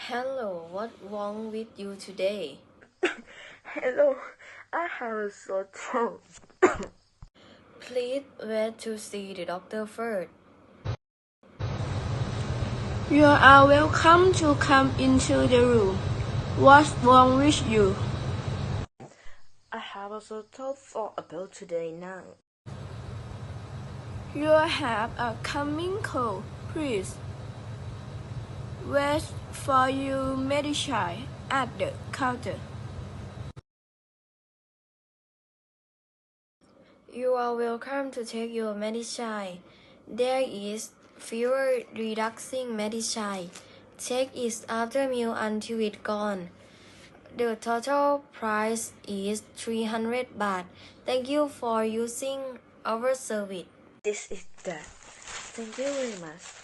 Hello, what's wrong with you today? Hello, I have a sore throat. Please wait to see the doctor first. You are welcome to come into the room. What's wrong with you? I have a sore throat for about today now. You have a coming cold. Please wait for your medicine at the counter. You are welcome to take your medicine. There is fever reducing medicine. Take it after meal until it's gone. The total price is 300 baht. Thank you for using our service. This is that. Thank you very much.